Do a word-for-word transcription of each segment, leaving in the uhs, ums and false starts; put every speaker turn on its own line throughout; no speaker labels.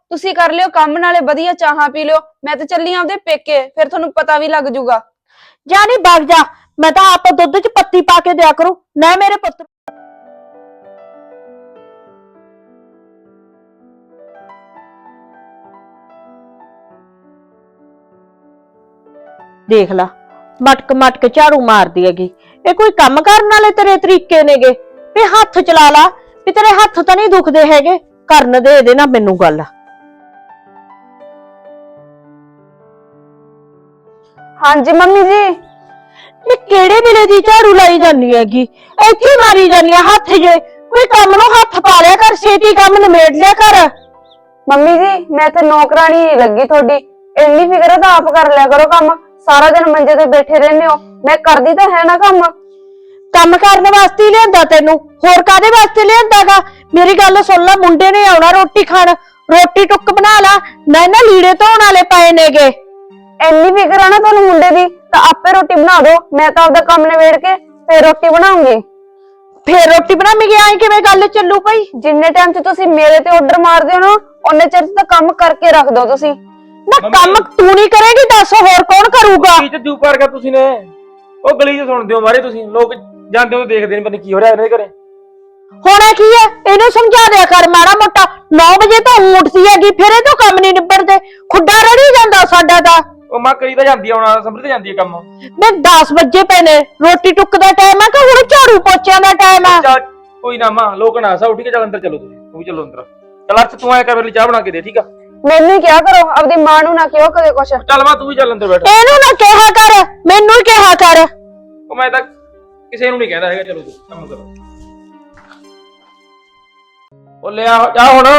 ਤੁਸੀਂ ਕਰ ਲਿਓ ਕੰਮ, ਨਾਲੇ ਵਧੀਆ ਚਾਹਾਂ ਪੀ ਲਿਓ। मैं तो चली आपदे पेके, फिर तुहानू पता भी लग जूगा।
जा नहीं भाग जा, मैं तो आप दुध च पत्ती पा के दिया करूं ना मेरे पुत्र। देख ला मटक मटक झाड़ू मार दी हैगी। ये कोई काम करने वाले तेरे तरीके ने गे भी हाथ चला ला, भी तेरे हाथ तो नहीं दुखते हैगे, करन दे दे ना मैनू गल।
हाँ जी मम्मी जी।
ये केड़े वेले दी झाड़ू लाई जानी हैगी, इत्थे मारी जानी है हाथ जे, कोई काम नु हाथ पा लिया कर, छेती काम निमेड़ लिया कर।
मम्मी जी मैं तो नौकरानी नहीं लगी थोड़ी, इन्नी फिक्र तो आप कर लिया करो काम। सारा दिन मंजे ते बैठे रहने हो, मैं करदी तो है ना काम।
काम करने वास्ते ही लियांदा तेनू, होर कादे वास्ते लियांदागा? मेरी गल सुन ला, मुंडे ने आउणा रोटी खाण, रोटी टुक बना ला ना, ना लीड़े धोण वाले पए नेगे।
इन्नी फिक्र है ना तुहानू मुंडे दी, तो आपे रोटी बना दो, मैं तो आपदा काम निबेड़ के फिर रोटी बनाऊंगी।
फिर रोटी बनावेंगी? आई किवें गल चलू पई?
जिन्ने टाइम च तुसी मेरे ते ऑर्डर मारदे हो ना, उन्ने चिर तो काम करके रख दो तुसी।
ना काम तू नहीं करेगी, दस होर कौन करूगा?
ਕੀ ਚ ਚੂਪ ਕਰ ਗਿਆ ਤੁਸੀਂ ਨੇ? ਉਹ ਗਲੀ ਚ ਸੁਣਦੇ ਹੋ ਮਾਰੇ ਤੁਸੀਂ, ਲੋਕ ਜਾਂਦੇ ਹੋ ਦੇਖਦੇ ਨਹੀਂ ਪਤਾ ਕੀ ਹੋ ਰਿਹਾ ਇਹਨਾਂ ਦੇ ਘਰੇ।
होना की है इन्हू समझा दिया कर माड़ा मोटा। नौ बजे तो उठती हैगी, फिर ये तो काम नहीं निबड़ते, खुड्डा रड़ी जांदा साडा ता।
ਉਹ ਮਾਂ ਕਰੀ ਤਾਂ ਜਾਂਦੀ ਆ, ਹੁਣ ਸੰਭਲ ਤੇ ਜਾਂਦੀ ਆ ਕੰਮ।
मैं दस बजे पे ने, रोटी टुक दा टाइम है कि हुण झाड़ू पोछिਆਂ ਦਾ टाइम है?
ਚੱਲ ਕੋਈ ਨਾ ਮਾਂ, ਲੋਕ ਨਾ ਸਾ ਉੱਠ ਕੇ ਚੱਲ ਅੰਦਰ ਚਲੋ, ਤੁਸੀਂ ਤੂੰ ਵੀ ਚਲੋ ਅੰਦਰ। ਚੱਲ ਅੱਜ ਤੂੰ ਆਇਆ ਕਰ, ਮੇਰੇ ਲਈ ਚਾਹ ਬਣਾ ਕੇ ਦੇ, ਠੀਕ ਆ?
मैनू ही क्या करो, अपनी मां नू ना कहो कदे कुछ।
ਚੱਲ ਮਾਂ ਤੂੰ ਵੀ ਚੱਲ ਅੰਦਰ ਬੈਠ।
ਇਹਨੂੰ ਨਾ ਕਿਹਾ ਕਰ, ਮੈਨੂੰ ਹੀ ਕਿਹਾ ਕਰ।
ਉਹ ਮੈਂ ਤਾਂ ਕਿਸੇ ਨੂੰ ਨਹੀਂ ਕਹਿੰਦਾ ਹੈਗਾ, ਚਲੋ ਤੂੰ ਕੰਮ ਕਰੋ। ਉਹ ਲਿਆ ਚਾਹ ਹੁਣ,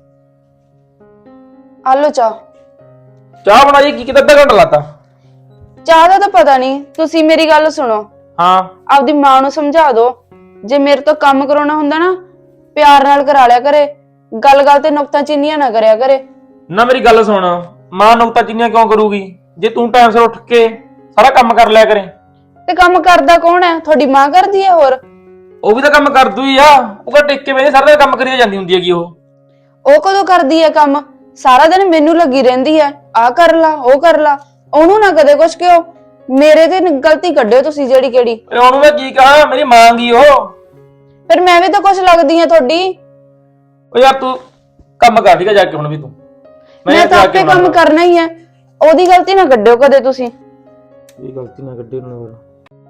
आलो चाह।
ਚਾਹ ਬਣਾਈ ਕੀ ਕਿਤੇ ਅੱਧਾ ਘੰਟਾ ਲਾਤਾ।
चाह दा तो पता नहीं, तुसी मेरी गल सुनो।
ਹਾਂ
ਆਪਦੀ ਮਾਂ ਨੂੰ ਸਮਝਾ ਦਿਓ, ਜੇ ਮੇਰੇ ਤੋਂ ਕੰਮ ਕਰਾਉਣਾ ਹੁੰਦਾ ਨਾ ਪਿਆਰ ਨਾਲ ਕਰਾ ਲਿਆ ਕਰੇ, ਗੱਲ ਗੱਲ ਤੇ ਨੁਕਤਾਚੀਨੀਆਂ ਨਾ ਕਰਿਆ ਕਰੇ।
ਨਾ ਮੇਰੀ ਗੱਲ ਸੁਣ, ਮਾਂ ਨੁਕਤਾ ਚੀਨੀਆਂ ਕਿਉਂ ਕਰੂਗੀ ਜੇ ਤੂੰ ਟਾਈਮ ਸਿਰ ਉੱਠ ਕੇ ਸਾਰਾ ਕੰਮ ਕਰ ਲਿਆ ਕਰੇ?
ਤੇ ਕੰਮ ਕਰਦਾ ਕੌਣ ਹੈ? ਤੁਹਾਡੀ ਮਾਂ ਕਰਦੀ ਹੈ। ਹੋਰ
ਉਹ ਵੀ ਤਾਂ ਕੰਮ ਕਰਦੂ ਹੀ ਆ, ਉਹ ਤਾਂ ਟਿੱਕ ਕੇ ਵੇਲੇ ਸਾਰਾ ਦਿਨ ਕੰਮ ਕਰੀ ਜਾਂਦੀ ਹੁੰਦੀ ਹੈਗੀ। ਉਹ
ਉਹ ਕਦੋਂ ਕਰਦੀ ਹੈ ਕੰਮ? ਸਾਰਾ ਦਿਨ ਮੈਨੂੰ ਲੱਗੀ ਰਹਿੰਦੀ ਹੈ, ਆ ਕਰ ਲਾ ਉਹ ਕਰ ਲਾ। ਉਹਨੂੰ ਨਾ ਕਦੇ ਕੁਛ ਕਿਉਂ, ਮੇਰੇ ਤੇ ਗਲਤੀ ਕੱਢਿਓ ਤੁਸੀਂ ਜਿਹੜੀ ਕਿਹੜੀ।
ਉਹਨੂੰ ਮੈਂ ਕੀ ਕਹਾਂ, ਮੇਰੀ ਮਾਂ ਗਈ ਉਹ।
ਫਿਰ ਮੈਂ ਵੀ ਤਾਂ ਕੁਛ ਲੱਗਦੀ ਆ ਤੁਹਾਡੀ।
ਉਹ ਯਾਰ ਤੂੰ ਕੰਮ ਕਰ, ਠੀਕ ਹੈ? ਜਾ ਕੇ ਹੁਣ ਵੀ ਤੂੰ।
ਮੈਂ ਤਾਂ ਆਪੇ ਕੰਮ ਕਰਨਾ ਹੀ ਹੈ, ਉਹਦੀ ਗਲਤੀ ਨਾ ਕੱਢਿਓ ਕਦੇ ਤੁਸੀਂ।
ਇਹ ਗਲਤੀ ਨਾ ਕੱਢੇ ਉਹਨਾਂ ਨੂੰ।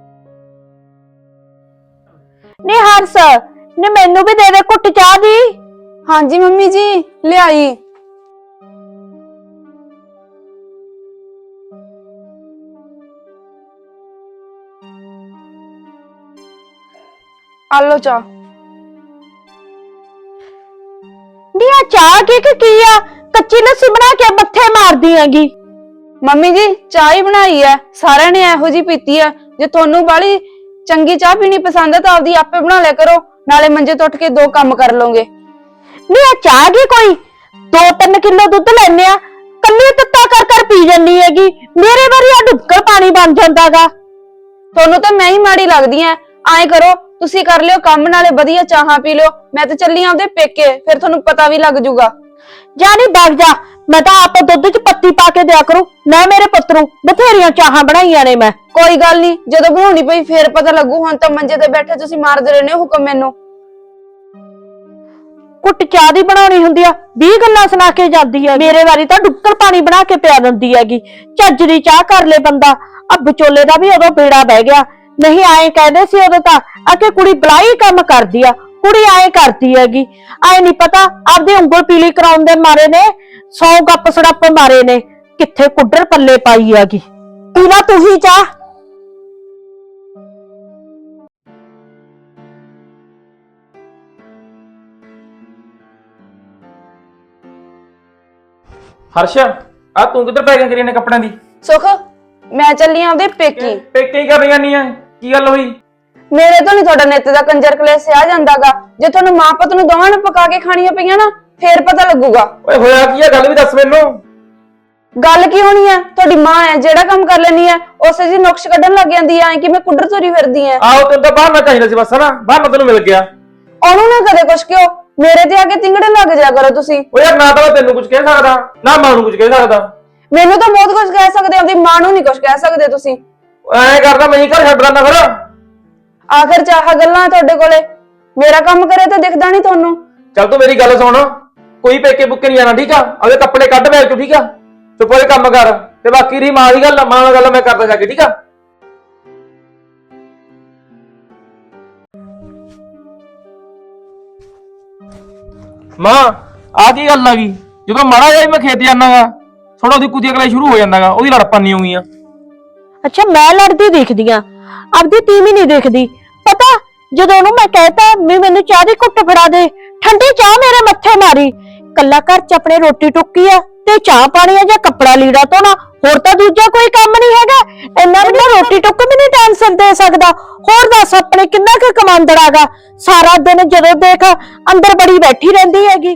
ਨੀ ਹੰਸ, ਨੀ ਮੈਨੂੰ ਵੀ ਦੇ ਦੇ ਘੁੱਟ ਚਾਹ ਦੀ।
ਹਾਂਜੀ ਮੰਮੀ ਜੀ ਲਿਆਈ। आलो चाह।
नी आ चाह की की आ, कच्ची लस्सी बना के मत्थे मार दी हैगी।
मम्मी जी चाह ही बनाई है, सारे ने एहो जी पीती है। जे थोनू बाली चंगी चाह पीनी पसंद है तो आपदी आपे बना लिया करो, नाले मंजे तो उठ के दो काम कर लोगे।
नी आ चाह की कोई दो तीन किलो दुध लेने आ, कल्ली तत्ता कर कर पी जानी हैगी, मेरे बारी आ डुबकर पानी बन जांदागा।
थोनू तो मैं ही माड़ी लगदी है। आए करो तुसी कर लियो काम, नाले बढ़िया चाहां पी लियो, मैं तो चली आपदे पेके, फिर थोनू पता भी लग जूगा।
जा नहीं भाग जा, मैं तो आप दुध च पत्ती पा के दिया करूं ना मेरे पुत्र नूं, बथेरियां चाहां बनाईयां ने मैं।
कोई गल नहीं, जदों बनाउणी पई फिर पता लगू, हुण तां मंजे ते बैठे तुसी मारदे रहने हुक्म मैनू।
कुट चाह दी बनाउणी हुंदी आ, बीस गल्लां सुना के जांदी है, मेरे वारी तां डुक्कर पानी बना के पिया दिंदी हैगी। झज्ज दी चाह कर ले बंदा। अब विचोले दा भी उदों बेड़ा बह गया, नहीं आए कहदे सी उदों तां आके कुड़ी बलाई काम करदी आ, कुड़ी आए करदी हैगी। आए नहीं पता आपदी उंगल पीली कराउण दे मारे ने सौ गप सड़प मारे ने, किथे कुड्डर पल्ले पाई हैगी। पीला तू ही चाह।
हर्ष आ तू किधर पै गया करी ने कपड़े दी?
सुख मैं चली आपदे पेकी।
पेके ही कर रही नहीं है, की गल हुई?
मेरे तो नहीं थोड़ा नित दा कंजर कलेस आ जांदागा, जे तुहानू मां पुत नू दोवां नू पका के खाणियां पईयां ना फिर पता लगूगा।
ओए होया की है, गल भी दस मैनू।
गल की होनी है, थोड़ी मां है जेड़ा काम कर लेनी है उसे जी नुक्श कढन लग जांदी है कि मैं कुडर तुरी फिरदी है।
आओ तेन तो बाहर ना चाहिए सी बस ना, बाहर ना तेनू मिल गया।
ओनू ना कदे कुछ क्यों, ਮੇਰੇ ਤੇ ਆ ਕੇ ਤਿੰਗੜੇ ਲੱਗ ਜਾ ਕਰੋ ਤੁਸੀਂ।
ਉਹ ਯਾਰ ਨਾ ਤਾਂ ਮੈਂ ਤੈਨੂੰ ਕੁਝ ਕਹਿ ਸਕਦਾ ਨਾ ਮਾਂ ਨੂੰ ਕੁਝ ਕਹਿ ਸਕਦਾ।
ਮੈਨੂੰ ਤਾਂ ਬਹੁਤ ਕੁਝ ਕਹਿ ਸਕਦੇ ਹੋ, ਆਪਣੀ ਮਾਂ ਨੂੰ ਨਹੀਂ ਕੁਝ ਕਹਿ ਸਕਦੇ ਤੁਸੀਂ।
ਐਂ ਕਰਦਾ ਮੈਂ ਹੀ ਘਰ ਛੱਡ ਦਿੰਦਾ ਫਿਰ।
ਆਖਰ ਚਾਹ ਗੱਲਾਂ ਤੁਹਾਡੇ ਕੋਲੇ, ਮੇਰਾ ਕੰਮ ਕਰੇ ਤਾਂ ਦਿਖਦਾ ਨਹੀਂ ਤੁਹਾਨੂੰ।
ਚੱਲ ਤੂੰ ਮੇਰੀ ਗੱਲ ਸੁਣ, ਕੋਈ ਪੇਕੇ ਬੁੱਕੇ ਨਹੀਂ ਜਾਣਾ ਠੀਕ ਆ। ਉਹਦੇ ਕੱਪੜੇ ਕੱਢ ਬੈਗ ਚੋਂ ਠੀਕ ਆ, ਚੁੱਪ ਹੋਏ ਕੰਮ ਕਰ। ਤੇ ਬਾਕੀ ਰਹੀ ਮਾਂ ਦੀ ਗੱਲ, ਮਾਂ ਨਾਲ ਗੱਲ ਮੈਂ ਕਰਦਾ ਜਾ ਕੇ ਠੀਕ ਆ। ਮਾਂ ਆ ਕੀ ਗੱਲ ਆ ਗਈ? ਜਦੋਂ ਮਾੜਾ ਜਿਹਾ ਮੈਂ ਖੇਤ ਜਾਣਾਗਾ ਥੋੜਾ ਉਹਦੀ ਕੁੱਤੀ ਅਗਲਾ ਸ਼ੁਰੂ ਹੋ ਜਾਂਦਾਗਾ, ਉਹਦੀ ਲੜਪਾਂ ਨਹੀਂ ਹੋਈਆਂ।
ਅੱਛਾ ਮੈਂ ਲੜਦੀ ਦੇਖਦੀ ਆ, ਆਪਦੀ ਤੀਵੀਂ ਨਹੀਂ ਦੇਖਦੀ। ਪਤਾ ਜਦੋਂ ਉਹਨੂੰ ਮੈਂ ਕਹਿਤਾ ਵੀ ਮੈਨੂੰ ਚਾਹ ਦੀ ਘੁੱਟ ਫੜਾ ਦੇ, ਠੰਡੀ ਚਾਹ ਮੇਰੇ ਮੱਥੇ ਮਾਰੀ। ਕੱਲਾ ਘਰ ਚ ਆਪਣੇ ਰੋਟੀ ਟੁੱਕੀ ਆ ਤੇ ਚਾਹ ਪਾਣੀ ਆ ਜਾਂ ਕੱਪੜਾ ਲੀੜਾ ਧੋਣਾ, ਹੋਰ ਤਾਂ ਦੂਜਾ ਕੋਈ ਕੰਮ ਨਹੀਂ ਹੈਗਾ। ਇੰਨਾ ਵੀ ਰੋਟੀ ਟੁੱਕ ਵੀ ਨਹੀਂ ਟੈਨਸ਼ਨ ਦੇ ਸਕਦਾ। ਹੋਰ ਦੱਸ ਆਪਣੇ ਕਿੰਨਾ ਕੁ ਕਮਾਂਦੜਾਗਾ, ਸਾਰਾ ਦਿਨ ਜਦੋਂ ਦੇਖ ਅੰਦਰ ਬੜੀ ਬੈਠੀ ਰਹਿੰਦੀ ਹੈਗੀ।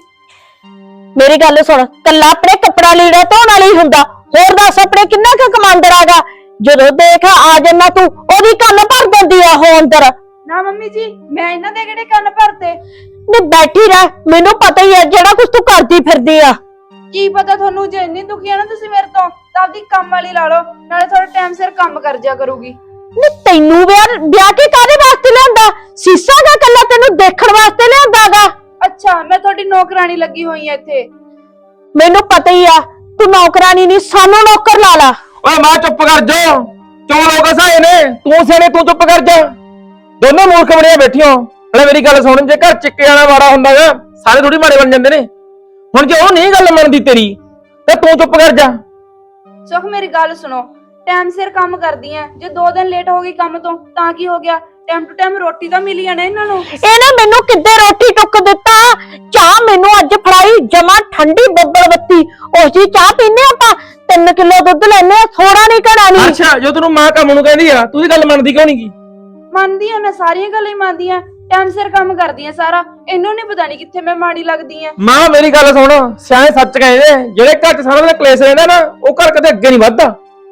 ਮੇਰੀ ਗੱਲ ਸੁਣ, ਕੱਲਾ ਆਪਣੇ ਕੱਪੜਾ ਲੀੜਾ ਧੋਣ ਵਾਲੀ ਹੁੰਦਾ, ਹੋਰ ਦੱਸ ਆਪਣੇ ਕਿੰਨਾ ਕੁ ਕਮਾਂਦੜਾਗਾ। ਜਦੋਂ ਦੇਖ ਆ ਜੰਨਾ ਤੂੰ ਉਹਦੀ ਕੰਨ ਭਰ ਦਿੰਦੀ ਆ ਉਹ ਅੰਦਰ।
ਨਾ ਮੰਮੀ ਜੀ, ਮੈਂ ਇਹਨਾਂ ਦੇ ਕਿਹੜੇ ਕੰਨ ਭਰਤੇ?
ਨੀ ਬੈਠੀ ਰਹਿ, ਮੈਨੂੰ ਪਤਾ ਹੀ ਹੈ ਜਿਹੜਾ ਕੁਝ ਤੂੰ ਕਰਦੀ ਫਿਰਦੀ ਆ।
ਕੀ ਪਤਾ ਤੁਹਾਨੂੰ, ਜੇ ਇੰਨੀ ਦੁਖੀ ਆ ਨਾ ਤੁਸੀਂ ਮੇਰੇ ਤੋਂ, ਤਾਂ ਆਪਦੀ ਕੰਮ ਵਾਲੀ ਲਾ ਲਓ, ਨਾਲੇ ਥੋੜਾ ਟਾਈਮ ਸਿਰ ਕੰਮ ਕਰ ਜਾ ਕਰੂਗੀ।
ਨੀ ਤੈਨੂੰ ਵਿਆਹ ਵਿਆਹ ਕੇ ਕਾਹਦੇ ਵਾਸਤੇ ਲਿਆਂਦਾ? ਸੀਸਾ ਦਾ ਕੱਲਾ ਤੈਨੂੰ ਦੇਖਣ ਵਾਸਤੇ ਲਿਆਂਦਾਗਾ।
ਅੱਛਾ, ਮੈਂ ਤੁਹਾਡੀ ਨੌਕਰਾਨੀ ਲੱਗੀ ਹੋਈ ਐ ਇੱਥੇ।
ਮੈਨੂੰ ਪਤਾ ਹੀ ਆ, ਤੂੰ ਨੌਕਰਾਨੀ ਨਹੀਂ ਸਾਨੂੰ ਨੌਕਰ ਲਾ ਲਾ।
ਓਏ ਮਾਂ ਚੁੱਪ ਕਰ ਜਾ, ਕਿਉਂ ਲੋਕ ਹਸਾਏ ਨੇ? ਤੂੰ ਸਿਆਣੇ ਤੂੰ ਚੁੱਪ ਕਰ ਜਾ। ਦੋਨੋਂ ਮੂਰਖ ਬਣੀਆਂ ਬੈਠੀਆਂ। ਹਲੇ ਮੇਰੀ ਗੱਲ ਸੁਣ, ਜੇ ਘਰ ਚ ਕਿਆਣਾ ਮਾੜਾ ਹੁੰਦਾਗਾ ਸਾਰੇ ਥੋੜੀ ਮਾੜੇ ਬਣ ਜਾਂਦੇ ਨੇ। ਹੁਣ ਜੇ ਉਹ ਨਹੀਂ ਗੱਲ ਮੰਨਦੀ ਤੇਰੀ ਤੇ ਤੂੰ ਚੁੱਪ ਕਰ ਜਾ।
ਸੁਖ ਮੇਰੀ ਗੱਲ ਸੁਣੋ, ਟਾਈਮ ਸਿਰ ਕੰਮ ਕਰਦੀ ਐ, ਜੇ ਦੋ ਦਿਨ ਲੇਟ ਹੋ ਗਈ ਕੰਮ ਤੋਂ ਤਾਂ ਕੀ ਹੋ ਗਿਆ? ਟਾਈਮ ਟੂ ਟਾਈਮ ਰੋਟੀ ਤਾਂ ਮਿਲੀ ਜਾਣਾ ਇਹਨਾਂ ਨੂੰ।
ਇਹਨੇ ਮੈਨੂੰ ਕਿੱਦੇ ਰੋਟੀ ਟੁੱਕ ਦਿੱਤਾ? ਚਾਹ ਮੈਨੂੰ ਅੱਜ ਫੜਾਈ ਜਮਾ ਠੰਡੀ ਬੱਬਲ ਬੱਤੀ, ਉਸ ਦੀ ਚਾਹ ਪੀਨੇ ਆਪਾਂ। ਤਿੰਨ ਕਿਲੋ ਦੁੱਧ ਲੈਨੇ ਆ, ਥੋੜਾ ਨਹੀਂ ਘਣਾ ਨਹੀਂ।
ਅੱਛਾ, ਜੋ ਤੈਨੂੰ ਮਾਂ ਕੰਮ ਨੂੰ ਕਹਿੰਦੀ ਆ ਤੂੰ ਦੀ ਗੱਲ ਮੰਨਦੀ ਕਿਉਂ ਨਹੀਂ ਗੀ?
ਮੰਨਦੀ ਆ, ਮੈਂ ਸਾਰੀਆਂ ਗੱਲਾਂ ਹੀ ਮੰਨਦੀ ਆ, ਟਾਈਮ ਸਿਰ ਕੰਮ ਕਰਦੀ ਆ ਸਾਰਾ। ਇਹਨੂੰ ਨਹੀਂ ਪਤਾ ਨਹੀਂ ਕਿੱਥੇ ਮੈਂ ਮਾੜੀ ਲੱਗਦੀ ਆ।
ਮਾਂ ਮੇਰੀ ਗੱਲ ਸੁਣ, ਸਿਆਣੇ ਸੱਚ ਕਹਿੰਦੇ, ਜਿਹੜੇ ਘਰ ਚ ਸਾਰਾ ਦਿਨ ਕਲੇਸ਼ ਰਹਿੰਦਾ ਨਾ ਉਹ ਘਰ ਕਦੇ ਅੱਗੇ ਨਹੀਂ ਵੱਧਦਾ।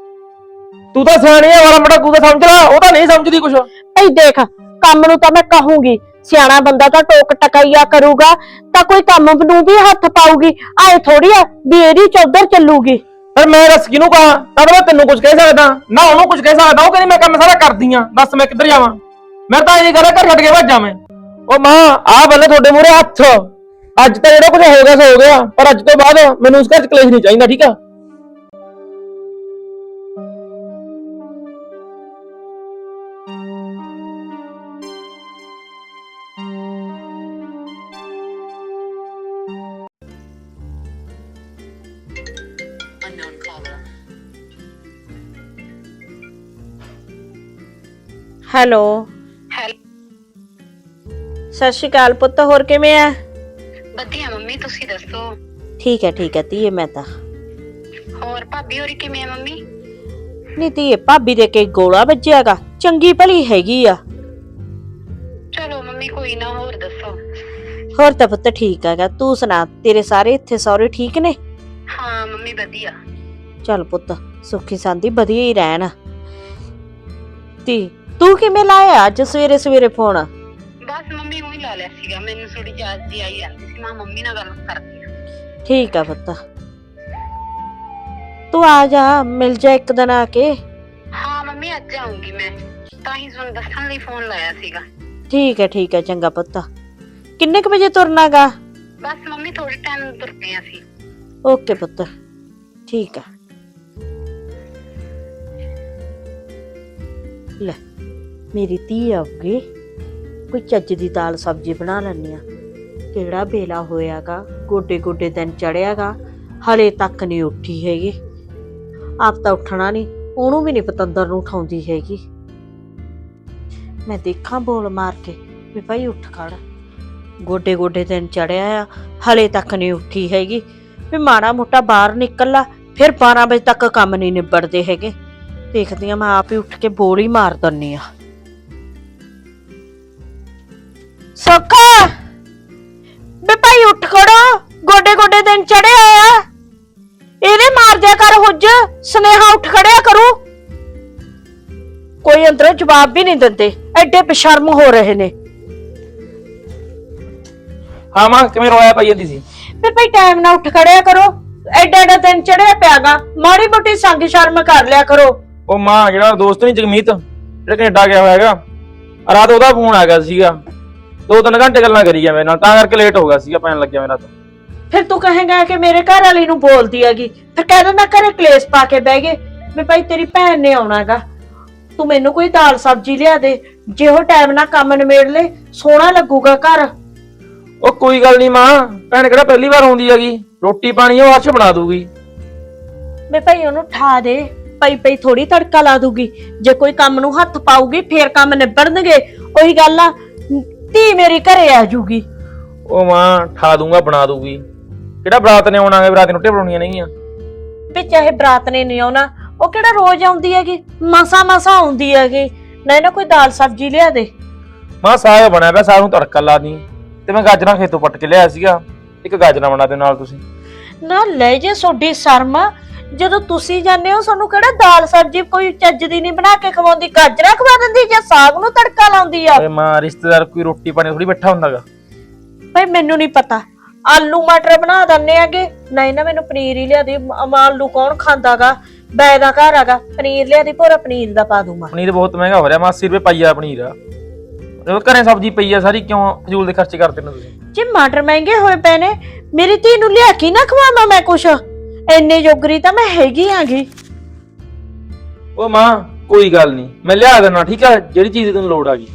ਤੂੰ ਤਾਂ ਸਿਆਣੀ ਆ, ਵਾਲਾ ਮੜਾ ਤੂੰ ਤਾਂ ਸਮਝ ਲੈ, ਉਹ ਤਾਂ ਨਹੀਂ ਸਮਝਦੀ ਕੁਛ।
ਭਈ ਦੇਖ, ਕੰਮ ਨੂੰ ਤਾਂ ਮੈਂ ਕਹੂੰਗੀ, ਸਿਆਣਾ ਬੰਦਾ ਤਾਂ ਟੋਕ ਟਕਾਈਆ ਕਰੂਗਾ ਤਾਂ ਕੋਈ ਕੰਮ ਨੂੰ ਵੀ ਹੱਥ ਪਾਊਗੀ। ਆਏ ਥੋੜੀ ਆ ਵੀ ਇਹਦੀ ਚੌਧਰ ਚੱਲੂਗੀ।
ਪਰ ਮੈਂ ਦੱਸ ਕਿਹਨੂੰ ਕਹਾਂ? ਤਾਂ ਮੈਂ ਤੈਨੂੰ ਕੁਝ ਕਹਿ ਸਕਦਾ ਨਾ ਉਹਨੂੰ ਕੁਝ ਕਹਿ ਸਕਦਾ। ਉਹ ਕਹਿੰਦੀ ਮੈਂ ਕੰਮ ਸਾਰਾ ਕਰਦੀ ਆ, ਦੱਸ ਮੈਂ ਕਿੱਧਰ ਜਾਵਾਂ? ਮੈਂ ਤਾਂ ਇਹ ਕਰਾਂ ਘਰ ਛੱਡ ਕੇ ਭੱਜਾਂ ਮੈਂ। ਉਹ ਮਾਂ ਆ ਬੱਲੇ ਤੁਹਾਡੇ ਮੂਹਰੇ ਹੱਥ। ਅੱਜ ਤਾਂ ਜਿਹੜਾ ਕੁਝ ਹੋ ਗਿਆ ਸੋ ਹੋ ਗਿਆ, ਪਰ ਅੱਜ ਤੋਂ ਬਾਅਦ ਮੈਨੂੰ ਉਸ ਘਰ ਚ ਕਲੇਸ਼ ਨਹੀਂ ਚਾਹੀਦਾ ਠੀਕ ਆ।
ਹੈਲੋ ਸਤਿ ਸ਼੍ਰੀ ਅਕਾਲ ਪੁੱਤ, ਹੋਰ ਕਿਵੇਂ ਆ?
ਵਧੀਆ ਮੰਮੀ, ਤੁਸੀਂ ਦੱਸੋ?
ਠੀਕ ਹੈ ਠੀਕ ਹੈ ਧੀਏ, ਮੈਂ ਤਾਂ
ਹੋਰ ਭਾਬੀ ਹੋਰੀ ਕਿਵੇਂ ਆ ਮੰਮੀ?
ਨੀ ਧੀਏ ਭਾਬੀ ਦੇ ਕੇ ਗੋਲਾ ਵੱਜਿਆਗਾ, ਚੰਗੀ ਭਲੀ ਹੈਗੀ ਆ।
ਚਲੋ ਮੰਮੀ ਕੋਈ ਨਾ, ਹੋਰ ਦੱਸੋ?
ਹੋਰ ਤਾਂ ਪੁੱਤ ਠੀਕ ਹੈਗਾ, ਤੂੰ ਸੁਣਾ ਤੇਰੇ ਸਾਰੇ ਇੱਥੇ ਸਹੁਰੇ ਠੀਕ ਨੇ?
ਹਾਂ ਮੰਮੀ ਵਧੀਆ।
ਚੱਲ ਪੁੱਤ ਸੁੱਖੀ ਸਾਂਦੀ ਵਧੀਆ ਹੀ ਰਹਿਣ। ਤੀ ਤੂੰ ਕਿਵੇਂ ਲਾਇਆ ਅੱਜ ਸਵੇਰੇ ਸਵੇਰੇ ਫੋਨ?
ਬਸ ਮੰਮੀ ਉਹੀ ਲਾ ਲਿਆ ਸੀਗਾ, ਮੈਨੂੰ ਥੋੜੀ ਯਾਦ ਜੀ ਆਈ ਜਾਂਦੀ ਸੀ, ਮੈਂ ਮੰਮੀ ਨਾਲ ਗੱਲ ਕਰਦੀ ਆ।
ਠੀਕ ਆ ਪੁੱਤ, ਤੂੰ ਆ ਜਾ, ਮਿਲ ਜਾ ਇੱਕ ਦਿਨ ਆ ਕੇ।
ਹਾਂ ਮੰਮੀ ਅੱਜ ਆਉਂਗੀ ਮੈਂ, ਤਾਂ ਹੀ ਤੁਹਾਨੂੰ ਦੱਸਣ ਲਈ ਫੋਨ ਲਾਇਆ ਸੀਗਾ।
ਠੀਕ ਹੈ ਠੀਕ ਹੈ, ਚੰਗਾ ਪੁੱਤ। ਕਿੰਨੇ ਕੁ ਵਜੇ ਤੁਰਨਾਗਾ?
ਬਸ ਮੰਮੀ ਥੋੜੇ ਟਾਈਮ ਨੂੰ ਤੁਰਦੇ ਆਂ ਅਸੀਂ।
ਓਕੇ ਪੁੱਤ, ਠੀਕ ਆ। ਲੈ ਮੇਰੀ ਧੀ ਆਉਗੀ, ਕੋਈ ਚੱਜ ਦੀ ਦਾਲ ਸਬਜ਼ੀ ਬਣਾ ਲੈਣੀ ਆ। ਕਿਹੜਾ ਵੇਲਾ ਹੋਇਆਗਾ, ਗੋਡੇ ਗੋਡੇ ਦਿਨ ਚੜਿਆਗਾ, ਹਲੇ ਤੱਕ ਨਹੀਂ ਉੱਠੀ ਹੈਗੀ। ਆਪ ਤਾਂ ਉੱਠਣਾ ਨਹੀਂ, ਉਹਨੂੰ ਵੀ ਨਹੀਂ ਪਤੰਦਰ ਨੂੰ ਉਠਾਉਂਦੀ ਹੈਗੀ। ਮੈਂ ਦੇਖਾਂ ਬੋਲ ਮਾਰ ਕੇ ਵੀ ਭਾਈ ਉੱਠ ਖੜ। ਗੋਡੇ ਗੋਡੇ ਦਿਨ ਚੜਿਆ ਆ, ਹਲੇ ਤੱਕ ਨਹੀਂ ਉੱਠੀ ਹੈਗੀ। ਵੀ ਮਾੜਾ ਮੋਟਾ ਬਾਹਰ ਨਿਕਲ ਲਾ, ਫਿਰ ਬਾਰਾਂ ਵਜੇ ਤੱਕ ਕੰਮ ਨਹੀਂ ਨਿਬੜਦੇ ਹੈਗੇ। ਦੇਖਦੀ ਆ ਮੈਂ ਆਪ ਹੀ ਉੱਠ ਕੇ ਬੋਲ ਹੀ ਮਾਰ ਦਿੰਨੀ ਆ। ਸੋਖਾ ਬੇ ਭਾਈ ਉੱਠ ਖੜੋ, ਗੋਡੇ ਗੋਡੇ ਦਿਨ ਚੜਿਆ ਆ। ਇਹਨੇ ਮਾਰ ਦਿਆ ਕਰ ਹੁੱਜ, ਸੁਨੇਹਾ ਉੱਠ ਖੜਿਆ ਕਰੂ। ਕੋਈ ਅੰਦਰੋਂ ਜਵਾਬ ਵੀ ਨਹੀਂ ਦਿੰਦੇ, ਐਡੇ ਬੇਸ਼ਰਮ ਹੋ ਰਹੇ ਨੇ।
ਹਾਂ ਮਾਂ ਕਿਵੇਂ ਰੋਇਆ ਪਾਈ ਜਾਂਦੀ ਸੀ?
ਫਿਰ ਭਾਈ ਟਾਈਮ ਨਾਲ ਉੱਠ ਖੜਿਆ ਕਰੋ, ਐਡਾ ਐਡਾ ਦਿਨ ਚੜਿਆ ਪਿਆਗਾ, ਮਾੜੀ ਮੋਟੀ ਸੰਗ ਸ਼ਰਮ ਕਰ ਲਿਆ ਕਰੋ।
ਉਹ ਮਾਂ ਜਿਹੜਾ ਦੋਸਤ ਨਹੀਂ ਜਗਮੀਤ ਜਿਹੜਾ ਕੈਨੇਡਾ ਗਿਆ ਹੋਇਆ ਹੈਗਾ, ਰਾਤ ਉਹਦਾ ਫੋਨ ਆ ਗਿਆ ਸੀਗਾ, ਦੋ ਤਿੰਨ ਘੰਟੇ ਗੱਲਾਂ ਕਰੀ ਗਿਆ ਮੇਰੇ ਨਾਲ, ਤਾਂ ਕਰਕੇ ਲੇਟ ਹੋ ਗਿਆ ਸੀਗਾ, ਪੈਣ ਲੱਗਿਆ ਮੇਰਾ ਤਾਂ।
ਫਿਰ ਤੂੰ ਕਹੇਗਾ ਕਿ ਮੇਰੇ ਘਰ ਵਾਲੀ ਨੂੰ ਬੋਲਦੀ ਹੈਗੀ, ਫਿਰ ਕਹਿ ਦਿੰਦਾ ਘਰੇ ਕਲੇਸ਼ ਪਾ ਕੇ ਬਹਿ ਗਏ ਵੀ ਭਾਈ ਤੇਰੀ ਭੈਣ ਨੇ ਆਉਣਾਗਾ, ਤੂੰ ਮੈਨੂੰ ਕੋਈ ਦਾਲ ਸਬਜ਼ੀ ਲਿਆ ਦੇ, ਜੇ ਉਹ ਟਾਈਮ ਨਾਲ ਕੰਮ ਨਿਬੇੜ ਲੈ ਸੋਹਣਾ ਲੱਗੂਗਾ ਘਰ।
ਉਹ ਕੋਈ ਗੱਲ ਨਹੀਂ ਮਾਂ, ਭੈਣ ਕਿਹੜਾ ਪਹਿਲੀ ਵਾਰ ਆਉਂਦੀ ਹੈਗੀ, ਰੋਟੀ ਪਾਣੀ ਉਹ ਹਰਸ਼ ਬਣਾ ਦੂਗੀ।
ਮੈਂ ਭਾਈ ਉਹਨੂੰ ਠਾ ਦੇ, ਪਈ ਪਈ ਥੋੜੀ ਤੜਕਾ ਲਾ ਦੂਗੀ, ਜੇ ਕੋਈ ਕੰਮ ਨੂੰ ਹੱਥ ਪਾਊਗੀ ਫੇਰ ਕੰਮ ਨਿਬੜਨਗੇ। ਉਹੀ ਗੱਲ ਆ, ਧੀ ਮੇਰੀ ਘਰੇ ਆ ਜੂਗੀ।
ਉਹ ਮਾਂ ਠਾ ਦੂੰਗਾ, ਬਣਾ ਦੂਗੀ, ਕਿਹੜਾ ਬਰਾਤ ਨੇ ਆਉਣਾ ਹੈ, ਬਰਾਤ ਨੂੰ ਰੋਟੀਆਂ ਬਣਾਉਣੀਆਂ ਨਹੀਂਆਂ।
ਵੀ ਚਾਹੇ ਬਰਾਤ ਨੇ ਨਹੀਂ ਆਉਣਾ, ਉਹ ਕਿਹੜਾ ਰੋਜ਼ ਆਉਂਦੀ ਹੈਗੀ, ਮਸਾ ਮਸਾ ਆਉਂਦੀ ਹੈਗੀ, ਨਾ ਨਾ ਕੋਈ ਦਾਲ ਸਬਜ਼ੀ ਲਿਆ ਦੇ।
ਮਾਂ ਸਾਗ ਬਣਿਆ ਪਿਆ, ਸਾਗ ਨੂੰ ਤੜਕਾ ਲਾ ਦੀ, ਤੇ ਮੈਂ ਗਾਜਰਾਂ ਖੇਤੋਂ ਪੱਟ ਕੇ ਲਿਆਇਆ ਸੀਗਾ, ਇੱਕ ਗਾਜਰਾਂ ਬਣਾ ਦਿਓ ਨਾਲ ਤੁਸੀਂ।
ਨਾ ਲੈ ਜੇ ਸੋਡੀ ਸ਼ਰਮ, ਜਦੋਂ ਤੁਸੀਂ ਜਾਂਦੇ ਹੋ ਸਾਨੂੰ ਕਿਹੜਾ ਦਾਲ ਸਬਜ਼ੀ ਕੋਈ ਚੱਜ ਦੀ ਨਹੀਂ ਬਣਾ ਕੇ ਖਵਾਉਂਦੀ, ਗਾਜਰਾਂ ਖਵਾ ਦਿੰਦੀ ਜਾਂ ਸਾਗ ਨੂੰ ਤੜਕਾ ਲਾਉਂਦੀ ਆ।
ਓਏ ਮਾਂ ਰਿਸ਼ਤੇਦਾਰ ਕੋਈ ਰੋਟੀ ਪਾਣੀ ਥੋੜੀ ਬੈਠਾ ਹੁੰਦਾਗਾ।
ਭਾਈ ਮੈਨੂੰ ਨਹੀਂ ਪਤਾ, ਆਲੂ ਮਟਰ ਬਣਾ ਦਿੰਨੇ ਆਗੇ, ਨਹੀਂ ਨਾ ਮੈਨੂੰ ਪਨੀਰ ਹੀ ਲਿਆ ਦੇ, ਆਲੂ ਕੌਣ ਖਾਂਦਾਗਾ, ਬੈ ਦਾ ਘਰ ਆਗਾ, ਪਨੀਰ ਲਿਆ ਦੀ, ਪੂਰਾ ਪਨੀਰ ਦਾ ਪਾ ਦੂੰਗਾ।
ਪਨੀਰ ਬਹੁਤ ਮਹਿੰਗਾ ਹੋ ਰਿਹਾ, ਮਾਂ ਅੱਸੀ ਰੁਪਏ ਪਾਈਆ ਪਨੀਰ ਆ, ਜਦੋਂ ਘਰੇ ਸਬਜ਼ੀ ਪਈ ਆ ਸਾਰੀ, ਕਿਉਂ ਫਜ਼ੂਲ ਦੇ ਖਰਚੇ ਕਰਦੇ ਨੇ ਤੁਸੀਂ?
ਜੇ ਮਟਰ ਮਹਿੰਗੇ ਹੋਏ ਪਏ ਨੇ, ਮੇਰੀ ਧੀ ਨੂੰ ਲਿਆ ਕੇ ਨਾ ਖਵਾਵਾਂ ਮੈਂ ਕੁਛ, ਇੰਨੇ ਜੋਗਰੀ ਤਾਂ ਮੈਂ ਹੈਗੀ ਆਂਗੀ।
ਉਹ ਮਾਂ ਕੋਈ ਗੱਲ ਨਹੀਂ, ਮੈਂ ਲਿਆ ਦੇਣਾ, ਠੀਕ ਆ, ਜਿਹੜੀ ਚੀਜ਼ ਦੀ ਤੈਨੂੰ ਲੋੜ ਆ ਗਈ।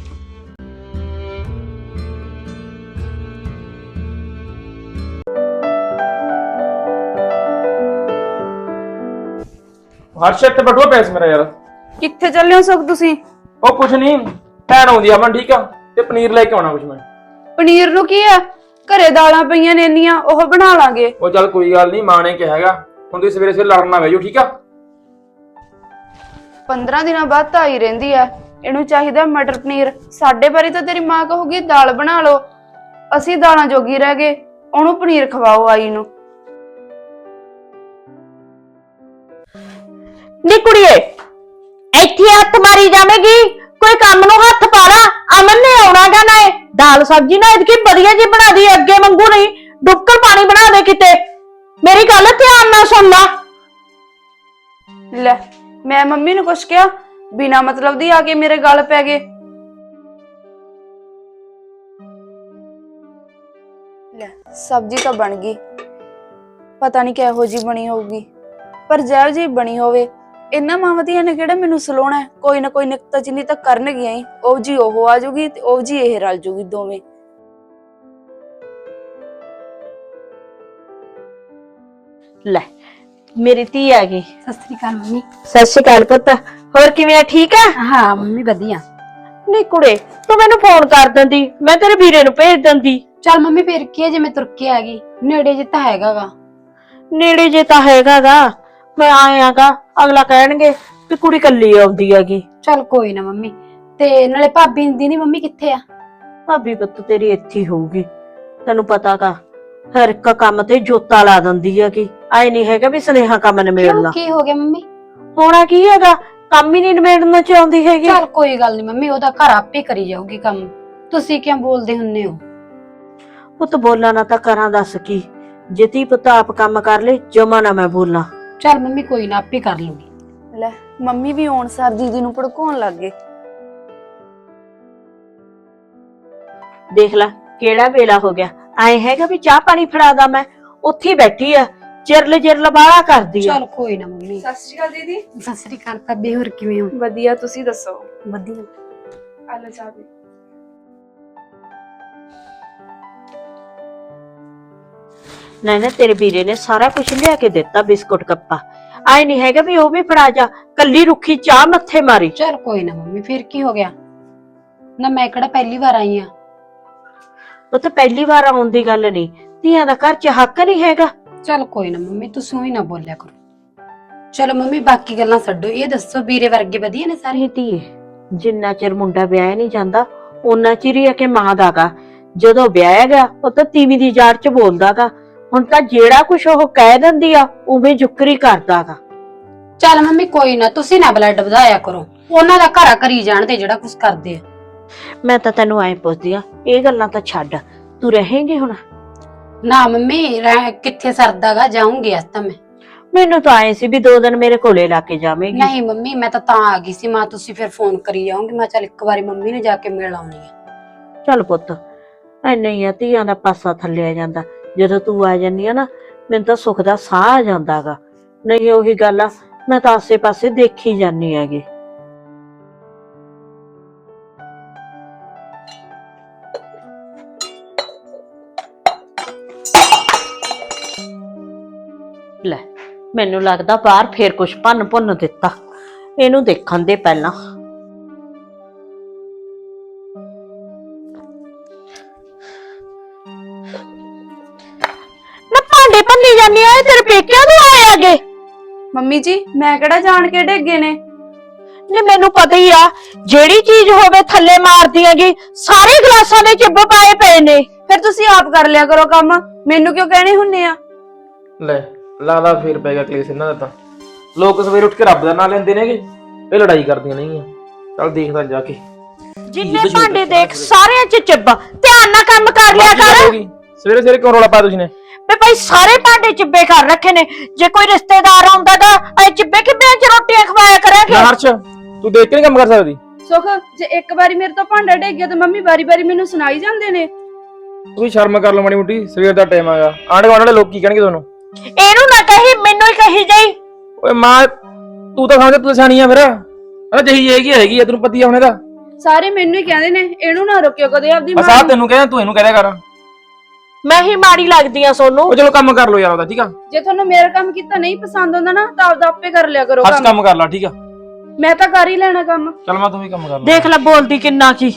ਹਰਸ਼ਤ ਬਟੂਆ ਪੈਸ ਮੇਰਾ ਯਾਰ।
ਕਿੱਥੇ ਚੱਲੇ ਹੋ ਸੁਖ ਤੁਸੀਂ?
ਉਹ ਕੁਛ ਨਹੀਂ, ਭੈਣ ਆਉਂਦੀ ਆ, ਮੈਂ ਠੀਕ ਆ, ਤੇ ਪਨੀਰ ਲੈ ਕੇ ਆਉਣਾ ਕੁਛ ਮੈਂ।
ਪਨੀਰ ਨੂੰ ਕੀ ਆ, ਘਰੇ ਦਾਲਾਂ ਪਈਆਂ ਨੇ ਇੰਨੀਆਂ, ਉਹ ਬਣਾ ਲਾਂਗੇ।
ਉਹ ਚੱਲ ਕੋਈ ਗੱਲ ਨਹੀਂ, ਮਾਂ ਨੇ ਕਿਹਾ ਹੈਗਾ, ਹੁਣ ਤੁਸੀਂ ਸਵੇਰੇ ਸਵੇਰੇ ਲੜਨ ਨਾ ਬਹਿ ਜਾਓ, ਠੀਕ ਆ।
ਪੰਦਰਾਂ ਦਿਨਾਂ ਬਾਅਦ ਤਾਂ ਆਈ ਰਹਿੰਦੀ ਆ, ਇਹਨੂੰ ਚਾਹੀਦਾ ਮਟਰ ਪਨੀਰ। ਸਾਡੇ ਬਾਰੇ ਤਾਂ ਤੇਰੀ ਮਾਂ ਕਹੂਗੀ ਦਾਲ ਬਣਾ ਲਓ, ਅਸੀਂ ਦਾਲਾਂ ਜੋਗੀ ਰਹਿ ਗਏ, ਉਹਨੂੰ ਪਨੀਰ ਖਵਾਓ ਆਈ ਨੂੰ।
ਨੀ ਕੁੜੀਏ, ਇੱਥੇ ਹੱਥ ਮਾਰੀ ਜਾਵੇਗੀ, ਕੋਈ ਕੰਮ ਨੂੰ ਹੱਥ ਪਾ ਲਾ, ਅਮਨ ਨੇ ਆਉਣਾਗਾ, ਨਾ ਇਹ ਦਾਲ ਸਬਜ਼ੀ ਨਾ ਇਹਦੀ ਵਧੀਆ ਜੀ ਬਣਾ ਦੀ, ਅੱਗੇ ਵਾਂਗੂ ਨਹੀਂ ਡੁੱਕਰ ਪਾਣੀ ਬਣਾ ਦੇ ਕਿਤੇ, ਮੇਰੀ ਗੱਲ ਧਿਆਨ ਨਾਲ ਸੁਣ ਲਾ।
ਲੈ ਮੈਂ ਮੰਮੀ ਨੂੰ ਕੁਛ ਕਿਹਾ, ਬਿਨਾ ਮਤਲਬ ਦੀ ਆ ਕੇ ਮੇਰੇ ਗਲ ਪੈ ਗਏ। ਲੈ ਸਬਜ਼ੀ ਤਾਂ ਬਣ ਗਈ, ਪਤਾ ਨਹੀਂ ਕਿਹੋ ਜੀ ਬਣੀ ਹੋਊਗੀ, ਪਰ ਜਿਹੋ ਜੀ ਬਣੀ ਹੋਵੇ, ਇਹਨਾਂ ਮਾਵਾਂ ਨੇ ਕਿਹੜਾ ਮੈਨੂੰ ਸਲੋਣਾ ਹੈ, ਕੋਈ ਨਾ ਕੋਈ ਨਿਕਤਾ ਚੀਨੀ ਤਾਂ ਕਰਨਗੀਆਂ ਹੀ, ਉਹ ਜੀ ਉਹ ਆ ਜੂਗੀ ਤੇ ਉਹ ਜੀ ਇਹ ਰਲ ਜੂਗੀ ਦੋਵੇਂ।
ਲੈ ਮੇਰੀ ਧੀ ਆ ਗਈ।
ਸਤਿ ਸ੍ਰੀ ਅਕਾਲ ਮੰਮੀ।
ਸਤਿ ਸ਼੍ਰੀ ਅਕਾਲ ਪੁੱਤ, ਹੋਰ ਕਿਵੇਂ ਆ, ਠੀਕ ਆ?
ਹਾਂ ਮੰਮੀ ਵਧੀਆ।
ਨਹੀਂ ਕੁੜੇ, ਤੂੰ ਮੈਨੂੰ ਫੋਨ ਕਰ ਦਿੰਦੀ, ਮੈਂ ਤੇਰੇ ਵੀਰੇ ਨੂੰ ਭੇਜ ਦਿੰਦੀ।
ਚੱਲ ਮੰਮੀ ਫੇਰ ਕੀ ਹੈ, ਜੇ ਮੈਂ ਤੁਰ ਕੇ ਆ ਗਈ, ਨੇੜੇ ਜੇ ਤਾਂ ਹੈਗਾਗਾ।
ਨੇੜੇ ਜੇ ਤਾਂ ਹੈਗਾਗਾ, ਮੈਂ ਆਇਆਗਾ, ਅਗਲਾ ਕਹਿਣਗੇ ਵੀ ਕੁੜੀ ਕੱਲੀ ਆਉਂਦੀ ਹੈਗੀ।
ਚੱਲ ਕੋਈ ਨਾ ਮੰਮੀ, ਤੇ ਨਾਲੇ ਭਾਬੀ ਦੀ ਨੀ ਮੰਮੀ ਕਿੱਥੇ ਆ?
ਭਾਬੀ ਪੁੱਤ ਤੇਰੀ ਇੱਥੇ ਹੀ ਹੋਊਗੀ, ਤੈਨੂੰ ਪਤਾਗਾ ਹਰ ਇੱਕ ਕੰਮ ਤੇ ਜੋਤਾ ਲਾ ਦਿੰਦੀ ਹੈਗੀ, ਆਏ ਨਹੀਂ ਹੈਗਾ ਵੀ ਸੁਨੇਹਾ ਕੰਮ ਨਿਬੇੜਨਾ।
ਕੀ ਹੋ ਗਿਆ ਮੰਮੀ?
ਹੋਣਾ ਕੀ ਹੈਗਾ, ਕੰਮ ਹੀ ਨਹੀਂ ਨਿਬੇੜਨਾ ਚਾਹੁੰਦੀ ਹੈਗੀ।
ਚੱਲ ਕੋਈ ਗੱਲ ਨਹੀਂ ਮੰਮੀ, ਉਹਦਾ ਘਰ ਆਪੇ ਕਰੀ ਜਾਊਗੀ ਕੰਮ, ਤੁਸੀਂ ਕਿਉਂ ਬੋਲਦੇ ਹੁੰਨੇ ਹੋ?
ਪੁੱਤ ਬੋਲਾਂ ਨਾ ਤਾਂ ਕਰਾਂ, ਦੱਸ ਕੀ, ਜੇ ਤੀ ਪੁੱਤ ਆਪ ਕੰਮ ਕਰ ਲੈ, ਜਮਾ ਨਾ ਮੈਂ ਬੋਲਾਂ।
ਚੱਲ ਮੰਮੀ ਕੋਈ ਨਾ, ਆਪੇ ਕਰ ਲੂਗੀ।
ਲੈ ਮੰਮੀ ਵੀ ਆਉਣ ਸਾਰ ਦੀਦੀ ਨੂੰ ਭੜਕਾਉਣ ਲੱਗ ਗਏ।
ਦੇਖ ਲੈ ਕਿਹੜਾ ਵੇਲਾ ਹੋ ਗਿਆ, ਆਏ ਹੈਗਾ ਵੀ ਚਾਹ ਪਾਣੀ ਫੜਾਦਾ, ਮੈਂ ਉੱਥੇ ਬੈਠੀ ਆ, ਚਿਰਲ ਚਿਰਲ ਬਾਹਲਾ ਕਰਦੀ ਆ।
ਚੱਲ ਕੋਈ ਨਾ ਮੰਮੀ।
ਸਤਿ ਸ਼੍ਰੀ ਅਕਾਲ ਦੀਦੀ।
ਸਤਿ ਸ੍ਰੀ ਅਕਾਲ ਭਾਬੀ, ਹੋਰ ਕਿਵੇਂ ਹੋ?
ਵਧੀਆ, ਤੁਸੀਂ ਦੱਸੋ?
ਵਧੀਆ।
ਆ ਲੈ ਚਾਹ ਪੀ।
ਨਹੀਂ ਨਾ ਤੇਰੇ ਵੀਰੇ ਨੇ ਸਾਰਾ ਕੁਝ ਲਿਆ ਕੇ ਦਿੱਤਾ, ਬਿਸਕੁਟ ਕੱਪਾ, ਆਏ ਨਹੀਂ ਹੈਗਾ ਵੀ ਉਹ ਵੀ ਫੜਾ ਜਾ, ਕੱਲੀ ਰੁੱਖੀ ਚਾਹ ਮੱਥੇ ਮਾਰੀ।
ਚੱਲ ਕੋਈ ਨਾ ਮੰਮੀ, ਫਿਰ ਕੀ ਹੋ ਗਿਆ, ਨਾ ਮੈਂ ਕਿਹੜਾ ਪਹਿਲੀ ਵਾਰ ਆਈ ਆ।
ਉਹ ਤਾਂ ਪਹਿਲੀ ਵਾਰ ਆਉਣ ਦੀ ਗੱਲ ਨਹੀਂ, ਧੀਆਂ ਦਾ ਘਰ ਚ ਹੱਕ ਨਹੀਂ ਹੈਗਾ।
ਚੱਲ ਕੋਈ ਨਾ ਮੰਮੀ, ਤੁਸੀਂ ਹੀ ਨਾ ਬੋਲਿਆ ਕਰੋ। ਚਲੋ ਮੰਮੀ ਬਾਕੀ ਗੱਲਾਂ ਛੱਡੋ, ਇਹ ਦੱਸੋ ਵੀਰੇ ਵਰਗੇ ਵਧੀਆ ਨੇ ਸਾਰੇ?
ਸਾਰੀ ਧੀਏ, ਜਿੰਨਾ ਚਿਰ ਮੁੰਡਾ ਵਿਆਹ ਨਹੀਂ ਜਾਂਦਾ ਉਹਨਾਂ ਚਿਰ ਹੀ ਆ ਕੇ ਮਾਂ ਦਾਗਾ, ਜਦੋਂ ਵਿਆਹਿਆ ਗਿਆ ਉਹ ਤਾਂ ਤੀਵੀਂ ਦੀ ਜਾੜ ਚ ਬੋਲਦਾਗਾ, ਹੁਣ ਤਾਂ ਜਿਹੜਾ ਕੁਛ ਉਹ ਕਹਿ ਦਿੰਦੀ ਆ ਉਵੇਂ ਜੁਕਰੀ ਕਰਦਾਗਾ।
ਚੱਲ ਮੰਮੀ ਕੋਈ ਨਾ, ਤੁਸੀਂ ਨਾ ਬਲੱਡ ਵਧਾਇਆ ਕਰੋ, ਉਹਨਾਂ ਦਾ ਘਰਾ ਕਰੀ ਜਾਣਦੇ ਜਿਹੜਾ ਕੁਝ ਕਰਦੇ ਆ।
ਮੈਂ ਤਾਂ ਤੈਨੂੰ ਐਂ ਪੁੱਛਦੀ ਆ, ਇਹ ਗੱਲਾਂ ਤਾਂ ਛੱਡ, ਤੂੰ ਰਹੇਂਗੀ ਹੁਣ?
ਨਾ ਮੰਮੀ ਰਹਿ- ਕਿੱਥੇ ਸਰਦਾਗਾ, ਜਾਊਂਗੀ ਅੱਜ ਤਾਂ ਮੈਂ।
ਮੈਨੂੰ ਤਾਂ ਆਏ ਸੀ ਵੀ ਦੋ ਦਿਨ ਮੇਰੇ ਕੋਲੇ ਲਾ ਕੇ ਜਾਵੇਂਗੀ।
ਨਹੀਂ ਮੰਮੀ ਮੈਂ ਤਾਂ ਤਾਂ ਆ ਗਈ ਸੀ, ਮਾਂ ਤੁਸੀਂ ਫਿਰ ਫੋਨ ਕਰੀ ਜਾਓਗੇ, ਮੈਂ ਚੱਲ ਇੱਕ ਵਾਰੀ ਮੰਮੀ ਨੂੰ ਜਾ ਕੇ ਮਿਲ ਆਉਣੀ ਆ।
ਚੱਲ ਪੁੱਤ, ਐਨਾ ਹੀ ਆ ਧੀਆਂ ਦਾ ਪਾਸਾ ਥੱਲੇ ਆ ਜਾਂਦਾ। ਜਦੋਂ ਤੂੰ ਆ ਜਾਂਦੀ ਆ ਨਾ, ਮੈਨੂੰ ਤਾਂ ਸੁੱਖ ਦਾ ਸਾਹ ਆ ਜਾਂਦਾਗਾ। ਨਹੀਂ ਉਹੀ ਗੱਲ ਆ, ਮੈਂ ਤਾਂ ਆਸੇ ਪਾਸੇ ਦੇਖੀ ਜਾਂਦੀ ਹੈਗੀ। ਲੈ ਮੈਨੂੰ ਲੱਗਦਾ ਬਾਹਰ ਫੇਰ ਕੁਛ ਭੰਨ ਭੁੰਨ ਦਿੱਤਾ। ਇਹਨੂੰ ਦੇਖਣ ਦੇ ਪਹਿਲਾਂ। ਨਾ ਭਾਂਡੇ ਭੰਨੀ ਜਾਂਦੀ ਆ, ਇਹ ਤੇਰੇ ਪੇਕਿਆਂ ਤੋਂ ਆਏ ਆਗੇ?
ਮੰਮੀ ਜੀ ਮੈਂ ਕਿਹੜਾ ਜਾਣ ਕੇ ਡੇਗੇ ਨੇ।
ਨੇ ਮੈਨੂੰ ਪਤਾ ਹੀ ਆ, ਜਿਹੜੀ ਚੀਜ਼ ਹੋਵੇ ਥੱਲੇ ਮਾਰਦੀ ਹੈਗੀ। ਸਾਰੇ ਗਲਾਸਾਂ ਦੇ ਚਿੱਬ ਪਾਏ ਪਏ ਨੇ।
ਫਿਰ ਤੁਸੀਂ ਆਪ ਕਰ ਲਿਆ ਕਰੋ ਕੰਮ, ਮੈਨੂੰ ਕਿਉਂ ਕਹਿਣੇ ਹੁੰਨੇ ਆ?
ਲੈ ਲੱਗਦਾ ਫੇਰ ਪੈ ਗਿਆ ਕਲੇਸ਼ ਇਹਨਾਂ ਦਾ। ਤਾਂ ਲੋਕ ਸਵੇਰ ਉੱਠ ਕੇ ਰੱਬ ਦਾ ਨਾਂ ਲੈਂਦੇ ਨੇਗੇ, ਇਹ ਲੜਾਈ ਕਰਦੀਆਂ ਨਹੀਂਆਂ। ਚੱਲ ਦੇਖਦਾ ਜਾ ਕੇ।
ਜਿੰਨੇ ਭਾਂਡੇ ਦੇਖ ਸਾਰਿਆਂ 'ਚ ਚਿੱਬ। ਧਿਆਨ ਨਾਲ ਕੰਮ ਕਰ ਲਿਆ ਕਰ।
ਸਵੇਰੇ ਸਵੇਰੇ ਕਿਉਂ ਰੌਲਾ ਪਾਇਆ ਤੁਸੀਂ ਨੇ?
ਵੇ ਭਾਈ ਸਾਰੇ ਭਾਂਡੇ ਚਿੱਬੇ ਕਰ ਰੱਖੇ ਨੇ। ਜੇ ਕੋਈ ਰਿਸ਼ਤੇਦਾਰ ਆਉਂਦਾ ਤਾਂ ਐ ਚਿੱਬੇ ਕਿੱਬਿਆਂ 'ਚ ਰੋਟੀਆਂ ਖਵਾਇਆ ਕਰਾਂਗੇ।
ਨਾ ਹਰਸ਼, ਤੂੰ ਦੇਖ ਕੇ ਨਹੀਂ ਕੰਮ ਕਰ ਸਕਦੀ?
ਸੁਖ ਜੇ ਇੱਕ ਵਾਰੀ ਮੇਰੇ ਤੋਂ ਭਾਂਡਾ ਡਿੱਗ ਗਿਆ ਤਾਂ ਮੰਮੀ ਵਾਰੀ ਵਾਰੀ ਮੈਨੂੰ ਸੁਣਾਈ ਜਾਂਦੇ ਨੇ।
ਤੂੰ ਸ਼ਰਮ ਕਰ ਲਓ ਮਾੜੀ ਮੋਟੀ, ਸਵੇਰ ਦਾ ਟਾਈਮ ਆਗਾ। ਆਂਢ ਗੁਆਂਢ ਵਾਲੇ ਲੋਕ ਕੀ ਕਹਿਣਗੇ ਤੁਹਾਨੂੰ?
ਇਹਨੂੰ ਨਾ ਕਹੀ, ਮੈਨੂੰ ਹੀ ਕਹੀ ਜਾਈ।
ਓਏ ਮਾਂ, ਤੂੰ ਤਾਂ ਸਮਝ ਤੂੰ ਸਿਆਣੀ ਆ ਫਿਰ। ਆ ਜਹੀ ਹੈਗੀ ਹੈਗੀ ਆ, ਤੈਨੂੰ ਪਤੀ ਆ ਹੁਣ ਇਹਦਾ।
ਸਾਰੇ ਮੈਨੂੰ ਹੀ ਕਹਿੰਦੇ ਨੇ, ਇਹਨੂੰ ਨਾ ਰੋਕਿਓ ਕਦੇ ਆਪਦੀ
ਬਸ
ਮਾਂ
ਆ
ਨੂੰ।
ਤੈਨੂੰ ਕਹਿੰਦਾ, ਤੂੰ ਇਹਨੂੰ ਕਹਿ ਦਿਆ ਕਰ।
ਮੈਂ ਹੀ ਮਾੜੀ ਲੱਗਦੀ ਆ ਸੋਨੂੰ।
ਉਹ ਚਲੋ ਕੰਮ ਕਰ ਲਓ ਯਾਰ ਉਹਦਾ, ਠੀਕ ਆ?
ਜੇ ਤੁਹਾਨੂੰ ਮੇਰਾ ਕੰਮ ਕੀਤਾ ਨਹੀਂ ਪਸੰਦ ਆਉਂਦਾ ਨਾ ਤਾਂ ਆਪਦਾ ਆਪੇ ਕਰ ਲਿਆ ਕਰੋ
ਹਰਸ਼
ਕੰਮ।
ਕੰਮ ਕਰ ਲਾ, ਠੀਕ ਆ?
ਮੈਂ ਤਾਂ ਕਰ ਹੀ ਲੈਣਾ ਕੰਮ।
ਚੱਲ ਮੈਂ ਤੂੰ ਵੀ ਕੰਮ ਕਰ ਲਾ।
ਦੇਖ ਲੈ ਬੋਲਦੀ ਕਿੰਨਾ ਕੀ।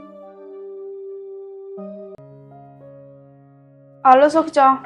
ਆ ਲਓ ਸੁਖ ਚਾਹ।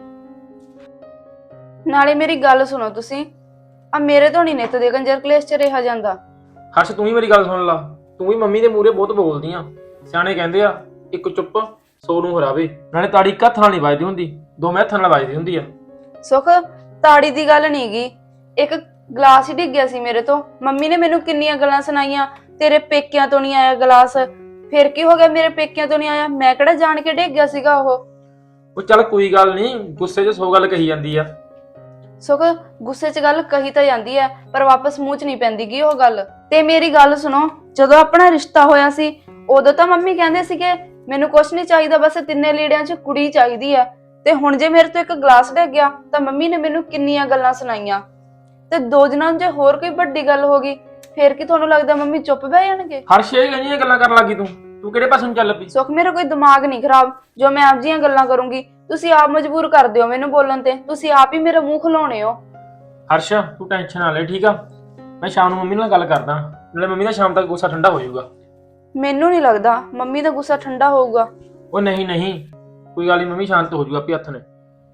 ਨਾਲੇ ਮੇਰੀ ਗੱਲ ਸੁਣੋ ਤੁਸੀਂ, ਆ ਮੇਰੇ ਤੋਂ ਨਹੀਂ ਨਿੱਤ ਦੇ ਕੰਜਰ ਕਲੇਸ਼ ਚ ਰਿਹਾ ਜਾਂਦਾ।
ਹਰਸ਼ ਤੂੰ ਹੀ ਮੇਰੀ ਗੱਲ ਸੁਣ ਲਾ। ਤੂੰ ਵੀ ਮੰਮੀ ਦੇ ਮੂਹਰੇ ਬਹੁਤ ਬੋਲਦੀ ਆ। ਸਿਆਣੇ ਕਹਿੰਦੇ ਆ, ਇੱਕ ਚੁੱਪ ਸੌ ਨੂੰ ਹਰਾਵੇ। ਨਾਲੇ ਤਾੜੀ ਇੱਕ ਹੱਥ ਨਾਲ ਨਹੀਂ ਵੱਜਦੀ ਹੁੰਦੀ, ਦੋ ਹੱਥਾਂ ਨਾਲ ਵੱਜਦੀ ਹੁੰਦੀ ਆ।
ਸੁਖ ਤਾੜੀ ਦੀ ਗੱਲ ਨਹੀਂ ਗੀ, ਇੱਕ ਗਲਾਸ ਹੀ ਡਿੱਗ ਗਿਆ ਸੀ ਮੇਰੇ ਤੋਂ। ਮੰਮੀ ਨੇ ਮੈਨੂੰ ਕਿੰਨੀਆਂ ਗੱਲਾਂ ਸੁਣਾਈਆਂ, ਤੇਰੇ ਪੇਕਿਆਂ ਤੋਂ ਨਹੀਂ ਆਇਆ ਗਲਾਸ। ਫਿਰ ਕੀ ਹੋ ਗਿਆ, ਮੇਰੇ ਪੇਕਿਆਂ ਤੋਂ ਨਹੀਂ ਆਇਆ? ਮੈਂ ਕਿਹੜਾ ਜਾਣ ਕੇ ਡਿੱਗ ਗਿਆ ਸੀਗਾ ਉਹ।
ਉਹ ਚੱਲ ਕੋਈ ਗੱਲ ਨਹੀਂ, ਗੁੱਸੇ 'ਚ ਸੌ ਗੱਲ ਕਹੀ ਜਾਂਦੀ ਆ।
ਸੁਖ ਗੁੱਸੇ 'ਚ ਗੱਲ ਕਹੀ ਤਾਂ ਜਾਂਦੀ ਹੈ, ਪਰ ਵਾਪਸ ਮੂੰਹ 'ਚ ਨਹੀਂ ਪੈਂਦੀ ਗੀ ਉਹ ਗੱਲ। ਤੇ ਮੇਰੀ ਗੱਲ ਸੁਣੋ, ਜਦੋਂ ਆਪਣਾ ਰਿਸ਼ਤਾ ਹੋਇਆ ਸੀ ਉਦੋਂ ਤਾਂ ਮੰਮੀ ਕਹਿੰਦੇ ਸੀਗੇ ਮੈਨੂੰ ਕੁਛ ਨਹੀਂ ਚਾਹੀਦਾ, ਬਸ ਤਿੰਨੇ ਲੀੜਿਆਂ 'ਚ ਕੁੜੀ ਚਾਹੀਦੀ ਹੈ। ਤੇ ਹੁਣ ਜੇ ਮੇਰੇ ਤੋਂ ਇੱਕ ਗਲਾਸ ਡਿੱਗ ਗਿਆ ਤਾਂ ਮੰਮੀ ਨੇ ਮੈਨੂੰ ਕਿੰਨੀਆਂ ਗੱਲਾਂ ਸੁਣਾਈਆਂ। ਤੇ ਦੋ ਦਿਨਾਂ ਨੂੰ ਜੇ ਹੋਰ ਕੋਈ ਵੱਡੀ ਗੱਲ ਹੋ ਗਈ ਫੇਰ ਕੀ ਤੁਹਾਨੂੰ ਲੱਗਦਾ ਮੰਮੀ ਚੁੱਪ ਬਹਿ ਜਾਣਗੇ?
ਹਰਸ਼ ਇਹ ਗਈਆਂ ਗੱਲਾਂ ਕਰਨ ਲੱਗੀ ਤੂੰ ਤੂੰ ਕਿਹੜੇ ਪਾਸੇ ਨੂੰ ਚੱਲ ਪਈ?
ਸੁਖ ਮੇਰਾ ਕੋਈ ਦਿਮਾਗ ਨਹੀਂ ਖਰਾਬ ਜੋ ਮੈਂ ਆਪ ਜੀਆਂ ਗੱਲਾਂ ਕਰੂੰਗੀ। ਤੁਸੀਂ ਆਪ ਮਜਬੂਰ ਕਰ ਦਿਓ ਮੈਨੂੰ ਬੋਲਣ ਤੇ, ਤੁਸੀਂ ਆਪ ਹੀ ਮੇਰਾ ਮੂੰਹ ਖਲਾਉਣੇ ਹੋ।
ਹਰਸ਼ ਤੂੰ ਟੈਨਸ਼ਨ ਨਾ ਲੈ, ਠੀਕ ਆ? ਮੈਂ ਸ਼ਾਮ ਨੂੰ ਮੰਮੀ ਨਾਲ ਗੱਲ ਕਰਦਾ, ਨਾਲੇ ਮੰਮੀ ਦਾ ਸ਼ਾਮ ਤੱਕ ਗੁੱਸਾ ਠੰਡਾ ਹੋ ਜਾਊਗਾ।
ਮੈਨੂੰ ਨਹੀਂ ਲੱਗਦਾ ਮੰਮੀ ਦਾ ਗੁੱਸਾ ਠੰਡਾ ਹੋਊਗਾ।
ਉਹ ਨਹੀਂ ਨਹੀਂ, ਕੋਈ ਗੱਲ ਨਹੀਂ, ਮੰਮੀ ਸ਼ਾਂਤ ਹੋ ਜਾਊਗਾ ਆਪੇ ਹੱਥ ਨੇ।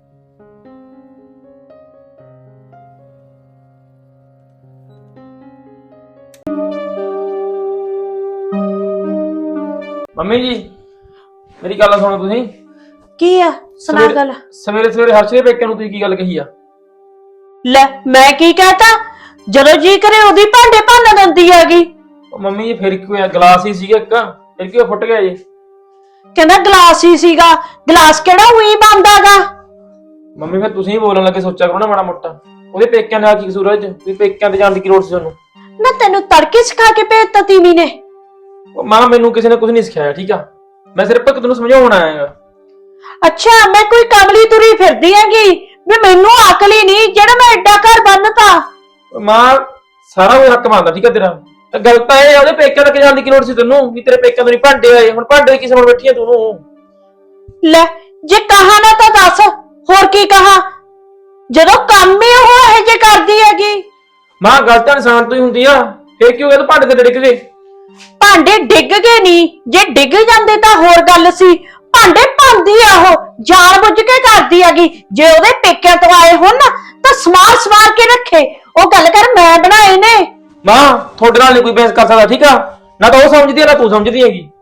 ਮੰਮੀ ਜੀ ਮੇਰੀ ਗੱਲ ਸੁਣੋ ਤੁਸੀਂ।
ਕੀ ਆ? ਸੁਣਾ
ਸਵੇਰੇ-
ਗੱਲ।
ਸਵੇਰੇ ਸਵੇਰੇ ਹਰਸ਼ ਦੇ ਪੇਕਿਆਂ ਨੂੰ ਤੁਸੀਂ ਕੀ ਗੱਲ ਕਹੀ ਆ?
ਲੈ ਮੈਂ ਕੀ ਕਹਤਾ? ਜਦੋਂ ਜੀ ਕਰੇ ਉਹਦੀ ਭਾਂਡੇ ਭੰਨ ਦਿੰਦੀ ਹੈਗੀ।
ਉਹ ਮੰਮੀ ਜੀ ਫਿਰ ਕੀ ਹੋਇਆ, ਗਲਾਸ ਹੀ ਸੀਗਾ ਇੱਕ, ਫਿਰ ਕੀ ਹੋਇਆ, ਫੁੱਟ ਗਿਆ ਜੀ?
ਕਹਿੰਦਾ ਗਲਾਸ ਹੀ ਸੀਗਾ। ਗਲਾਸ ਕਿਹੜਾ ਉਹੀ ਬੰਦਾਗਾ?
ਮੰਮੀ ਫਿਰ ਤੁਸੀਂ ਹੀ ਬੋਲਣ ਲੱਗੇ, ਸੋਚਿਆ ਕਰੋ ਨਾ ਮਾੜਾ ਮੋਟਾ। ਉਹਦੇ ਪੇਕਿਆਂ ਨਾਲ ਕੀ ਕਸੂਰ ਹੈ ਜੀ? ਵੀ ਪੇਕਿਆਂ ਤੇ ਜਾਣ ਦੀ ਕੀ ਲੋੜ ਸੀ ਤੁਹਾਨੂੰ?
ਨਾ ਤੈਨੂੰ ਤੜਕੇ ਸਿਖਾ ਕੇ ਭੇਜਤਾ ਤੀਵੀ ਨੇ।
ਉਹ ਮਾਂ ਮੈਨੂੰ ਕਿਸੇ ਨੇ ਕੁਝ ਨਹੀਂ ਸਿਖਾਇਆ, ਠੀਕ ਆ? ਮੈਂ ਸਿਰਫ ਇੱਕ ਤੈਨੂੰ ਸਮਝਾਉਣ ਆਇਆ ਹੈਗਾ।
ਅੱਛਾ ਮੈਂ ਕੋਈ ਕਮਲੀ ਤੁਰੀ ਫਿਰਦੀ ਹੈਗੀ ਵੀ ਮੈਨੂੰ ਅਕਲ ਹੀ ਨਹੀਂ ਜਿਹੜਾ ਮੈਂ ਐਡਾ ਘਰ ਬੰਨਤਾ।
ਉਹ ਮਾਂ ਸਾਰਾ ਉਹ ਹੱਕ ਮੰਨਦਾ, ਠੀਕ ਆ ਤੇਰਾ? ਤਾਂ ਗੱਲ ਤਾਂ ਇਹ ਆ, ਉਹਦੇ ਪੇਕਿਆਂ ਤੱਕ ਜਾਣ ਦੀ ਕੀ ਲੋੜ ਸੀ ਤੈਨੂੰ? ਵੀ ਤੇਰੇ ਪੇਕਿਆਂ ਤੋਂ ਨਹੀਂ ਭਾਂਡੇ ਆਏ, ਹੁਣ ਭਾਂਡੇ ਕੀ ਸਮਝ ਬੈਠੀ ਆ ਤੂੰ?
ਲੈ ਜੇ ਕਹਾ ਨਾ ਤਾਂ ਦੱਸ, ਹੋਰ ਕੀ ਕਹਾ? ਜਦੋਂ ਕੰਮ ਹੀ ਉਹ ਇਹ ਜੇ ਕਰਦੀ ਹੈਗੀ।
ਮਾਂ ਗੱਲ ਤਾਂ ਇਨਸਾਨ ਤੋਂ ਹੀ ਹੁੰਦੀ ਆ, ਫਿਰ ਕੀ ਹੋ ਗਿਆ ਤੂੰ ਭਾਂਡੇ ਤੇ ਡਿੱਗ ਗਏ?
ਭਾਂਡੇ ਡਿੱਗ ਗਏ ਨਹੀਂ, ਜੇ ਡਿੱਗ ਜਾਂਦੇ ਤਾਂ ਹੋਰ ਗੱਲ ਸੀ। ਭਾਂਡੇ ਭੰਦੀ ਆ ਉਹ, ਜਾਣ ਬੁੱਝ ਕੇ ਕਰਦੀ ਹੈਗੀ। ਜੇ ਉਹਦੇ ਪੇਕਿਆਂ ਤੋਂ ਆਏ ਹੋਣ ਨਾ ਤਾਂ ਸਮਾਰ ਸਮਾਰ ਕੇ ਰੱਖੇ। ਉਹ ਗੱਲ ਕਰ ਮੈਂ ਬਣਾਏ ਨੇ।
ਮਾਂ ਤੁਹਾਡੇ ਨਾਲ ਨਹੀਂ ਕੋਈ ਬਹਿਸ ਕਰ ਸਕਦਾ, ਠੀਕ ਆ? ਨਾ ਤਾਂ ਉਹ ਸਮਝਦੀ ਆ ਨਾ ਤੂੰ ਸਮਝਦੀ ਹੈਗੀ।